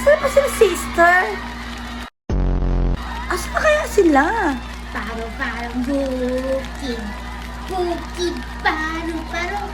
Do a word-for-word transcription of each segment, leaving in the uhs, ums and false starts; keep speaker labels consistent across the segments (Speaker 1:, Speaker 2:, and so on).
Speaker 1: Saan pa sila, sister? Asa na kaya sila?
Speaker 2: Paro-parong bukid. Bukid, paro-parong.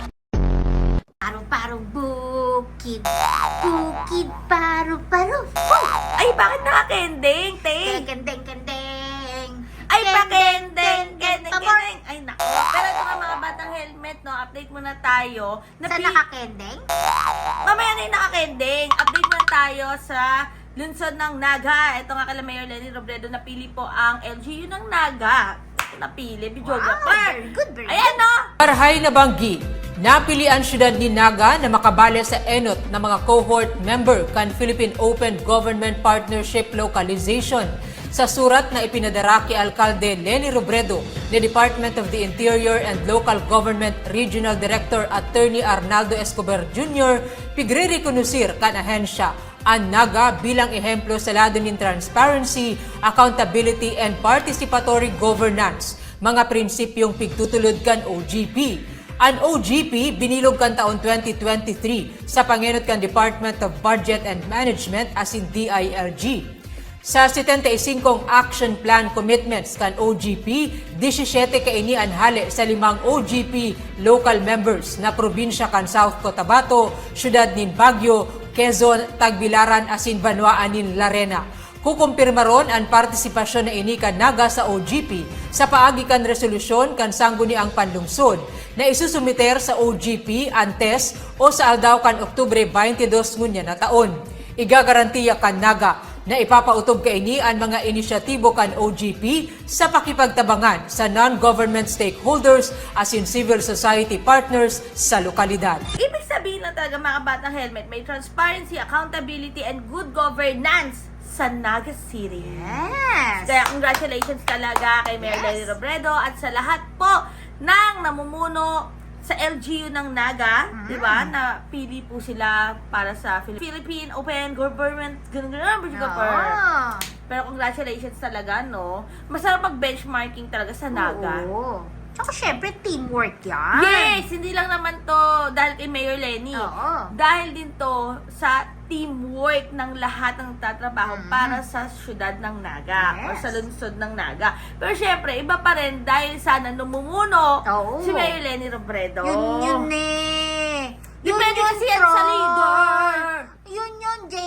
Speaker 2: Paro-parong bukid. Bukid, paro-parong.
Speaker 1: Ay, bakit nakakending, te?
Speaker 2: Kendeng-kendeng.
Speaker 1: Ay,
Speaker 2: Kendeng,
Speaker 1: pakending, kending,
Speaker 2: kendeng.
Speaker 1: kending. Ay, naku. Pero ito nga mga batang helmet, no? Update muna tayo.
Speaker 2: Saan
Speaker 1: Napi-
Speaker 2: nakakendeng?
Speaker 1: Mamaya na yung nakakending. Update muna tayo sa lungsod ng Naga. Ito nga kala Mayor Lenny Robredo, napili po ang L G U ng Naga. Napili, videographer.
Speaker 2: very good, very
Speaker 1: Ayan, no?
Speaker 3: Marhay na banggi, napili ang syudad ni Naga na makabali sa enot ng mga cohort member kan Philippine Open Government Partnership Localization. Sa surat na ipinadara kay Alkalde Lenny Robredo ni Department of the Interior and Local Government Regional Director Attorney Arnaldo Escobar Junior, pigre-rekonusir kan ahensya ang Naga bilang ehemplo sa lado ng transparency, accountability, and participatory governance, mga prinsipyong pigtutulod kan O G P. Ang O G P binilog kan taon twenty twenty-three sa pangenot kan Department of Budget and Management as in D I L G. Sa seventy-five action plan commitments kan O G P, seventy-seven kaini anhali sa limang O G P local members na probinsya kan South Cotabato, syudad nin Baguio, Quezon, Tagbilaran asin Banwaan nin Larena. Kukumpirma ron ang partisipasyon na ini kan Naga sa O G P sa paagi kan resolusyon kan sangguniang panlungsod na isusumiter sa O G P antes o sa aldaw kan Oktubre twenty-two ngunya na taon. Igagarantiya kan Naga na ipapautob kaini ang mga inisyatibo kan O G P sa pakipagtabangan sa non-government stakeholders as in civil society partners sa lokalidad.
Speaker 1: Ibig sabihin lang talaga mga batang helmet, may transparency, accountability, and good governance sa Naga City.
Speaker 2: Yes.
Speaker 1: Kaya congratulations talaga kay Mayor
Speaker 2: Yes.
Speaker 1: Lenny Robredo at sa lahat po ng namumuno sa L G U ng Naga,
Speaker 2: Mm.
Speaker 1: di ba? Na pili po sila para sa Philippine Open Government, ganun ganun,
Speaker 2: Oo.
Speaker 1: Pero congratulations talaga, no? Masarap mag-benchmarking talaga sa Naga.
Speaker 2: Oo. Tsaka syempre, teamwork yan.
Speaker 1: Yes! Hindi lang naman to dahil kay Mayor Lenny.
Speaker 2: Oo.
Speaker 1: Dahil din to sa teamwork ng lahat ng tatrabaho
Speaker 2: Mm.
Speaker 1: para sa syudad ng Naga o
Speaker 2: Yes.
Speaker 1: sa lungsod ng Naga. Pero syempre, iba pa rin dahil sana namumuno
Speaker 2: Oo.
Speaker 1: si Mayor Lenny Robredo.
Speaker 2: Yun yun eh. Yun
Speaker 1: Depende
Speaker 2: yun,
Speaker 1: kasi yan sa
Speaker 2: Troy.
Speaker 1: leader.
Speaker 2: Yun yun, J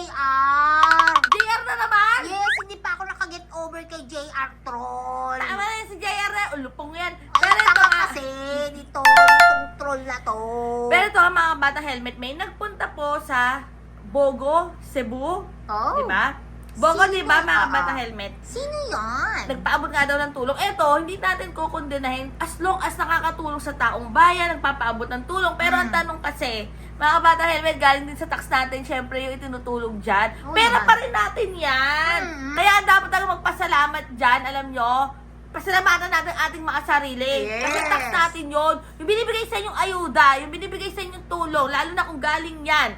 Speaker 2: R.
Speaker 1: J R na naman!
Speaker 2: Yes, hindi pa ako nakaget over kay J R Troll.
Speaker 1: Tama na yan si J R na. Ulupong yan.
Speaker 2: Ay,
Speaker 1: Pero ito
Speaker 2: tama
Speaker 1: nga.
Speaker 2: kasi dito, itong troll na to.
Speaker 1: Pero ito mga bata helmet, may nagpunta po sa Bogo, Cebu.
Speaker 2: Oh.
Speaker 1: Di ba? Bogo,
Speaker 2: Sino?
Speaker 1: di ba mga
Speaker 2: Oo.
Speaker 1: bata helmet?
Speaker 2: Sino yan?
Speaker 1: Nagpaabot nga daw ng tulong. Eto, hindi natin kukondenahin as long as nakakatulong sa taong bayan, nagpapaabot ng tulong. Pero ang
Speaker 2: Mm.
Speaker 1: tanong kasi, mga bata helmet, galing din sa tax natin, syempre yung itinutulong dyan.
Speaker 2: Oh,
Speaker 1: Pero
Speaker 2: yan.
Speaker 1: pa rin natin yan.
Speaker 2: Mm.
Speaker 1: Kaya dapat talaga magpasalamat dyan, alam nyo. Pasalamatan natin ating mga sarili.
Speaker 2: Yes.
Speaker 1: Kasi tax natin yun. Yung binibigay sa inyong ayuda, yung binibigay sa inyong tulong, lalo na kung galing yan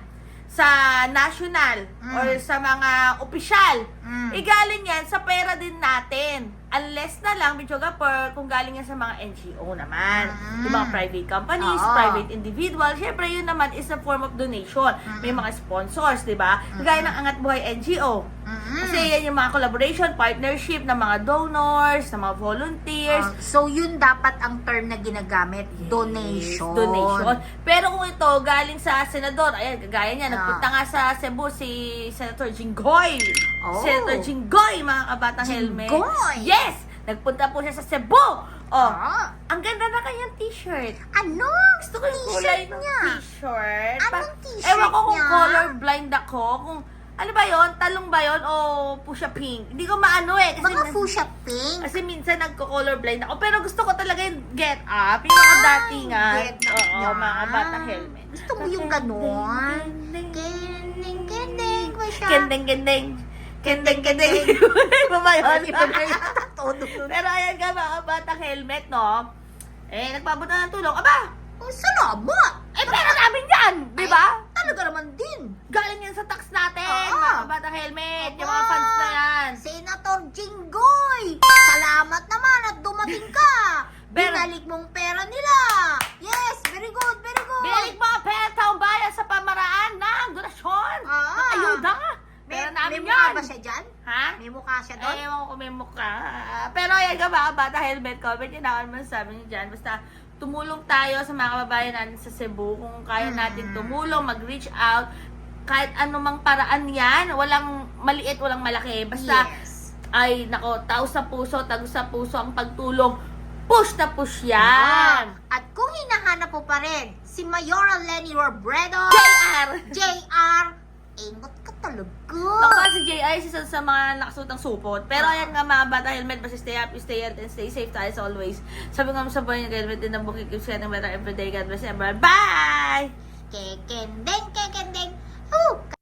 Speaker 1: sa national
Speaker 2: Mm.
Speaker 1: or sa mga opisyal,
Speaker 2: Mm.
Speaker 1: eh galing yan sa pera din natin. Unless na lang, videographer, kung galing yan sa mga N G O naman.
Speaker 2: Mm.
Speaker 1: Yung mga private companies,
Speaker 2: Oo.
Speaker 1: private individual, syempre yun naman is a form of donation. May
Speaker 2: Mm.
Speaker 1: mga sponsors, di ba? Gaya ng Angat Buhay N G O.
Speaker 2: Mm.
Speaker 1: Kasi yan yung mga collaboration, partnership ng mga donors, ng mga volunteers.
Speaker 2: Ah, so, yun dapat ang term na ginagamit, donation.
Speaker 1: Donation. Pero kung ito galing sa senador, ayan, kagaya niya,
Speaker 2: Ah.
Speaker 1: nagpunta nga sa Cebu si Senator Jinggoy.
Speaker 2: Oh.
Speaker 1: Senator Jinggoy, mga kabatang helmet.
Speaker 2: Jinggoy!
Speaker 1: Yes! Nagpunta po siya sa Cebu. Oh,
Speaker 2: Ah.
Speaker 1: ang ganda na kanyang t-shirt.
Speaker 2: Ano?
Speaker 1: Gusto ko yung kulay
Speaker 2: T-shirt
Speaker 1: ng
Speaker 2: niya.
Speaker 1: t-shirt.
Speaker 2: Anong
Speaker 1: Pa-
Speaker 2: t-shirt
Speaker 1: Ewan ko kung
Speaker 2: niya?
Speaker 1: color blind ako. Kung, ano ba yon talong ba yon o pusha pink? Hindi ko maano eh. Kasi,
Speaker 2: Mga fuchsia pink.
Speaker 1: kasi minsan nagko-color blind ako. Pero gusto ko talaga yung get up. Yung mga datingan.
Speaker 2: get up
Speaker 1: Oo,
Speaker 2: niya.
Speaker 1: mga batang helmet.
Speaker 2: Gusto mo yung ganon?
Speaker 1: Kendeng,
Speaker 2: Kending, kending, ba siya?
Speaker 1: kendeng, kendeng. Kendeng, kendeng. Iba ba yun?
Speaker 2: Iba ba yun? Todo.
Speaker 1: Pero ayan ka mga batang helmet, no? Eh, nagpabot na ng tulong. Aba!
Speaker 2: Oh, salamat!
Speaker 1: Eh, pera namin yan! Di ba?
Speaker 2: Ay, talaga naman din.
Speaker 1: Galing yan sa tax natin,
Speaker 2: Oo.
Speaker 1: mga batang helmet. Yung mga
Speaker 2: Aba,
Speaker 1: funds na yan.
Speaker 2: Senator Jinggoy! Salamat naman at dumating ka!
Speaker 1: Pero-
Speaker 2: Binalik mong pera nila! Yes! Very good! Very good!
Speaker 1: Binalik mo ang pera taong bayan sa pamaraan ng donasyon.
Speaker 2: Ah.
Speaker 1: Ng ayuda.
Speaker 2: May,
Speaker 1: Pero
Speaker 2: may
Speaker 1: namin
Speaker 2: mukha
Speaker 1: yan.
Speaker 2: ba siya dyan?
Speaker 1: Ha?
Speaker 2: May mukha siya doon?
Speaker 1: Eh, ewan ko kung may mukha. Pero ayan ka mga bata, helmet, comment yun ako naman sabi niyo dyan. Basta tumulong tayo sa mga kababayan natin sa Cebu. Kung kaya natin tumulong, mag-reach out. Kahit anumang paraan yan. Walang maliit, walang malaki. Basta,
Speaker 2: Yes.
Speaker 1: ay, nako, tao sa puso, tago sa puso ang pagtulong. Push na push
Speaker 2: Ah,
Speaker 1: yan.
Speaker 2: at kung hinahanap po pa rin si Mayoral Lenny Robredo,
Speaker 1: J R!
Speaker 2: J R, ingot ka talaga.
Speaker 1: Baka si J R, isa sa mga nakasutang supot. Pero ayan nga mga bata, helmet, basta stay happy, stay healthy, and stay safe tayo as always. Sabi nga mo sa buhay niya, helmet din ang bukid, keeps getting better every day. God bless everyone. Bye!
Speaker 2: Kekendeng, kekendeng. Oh,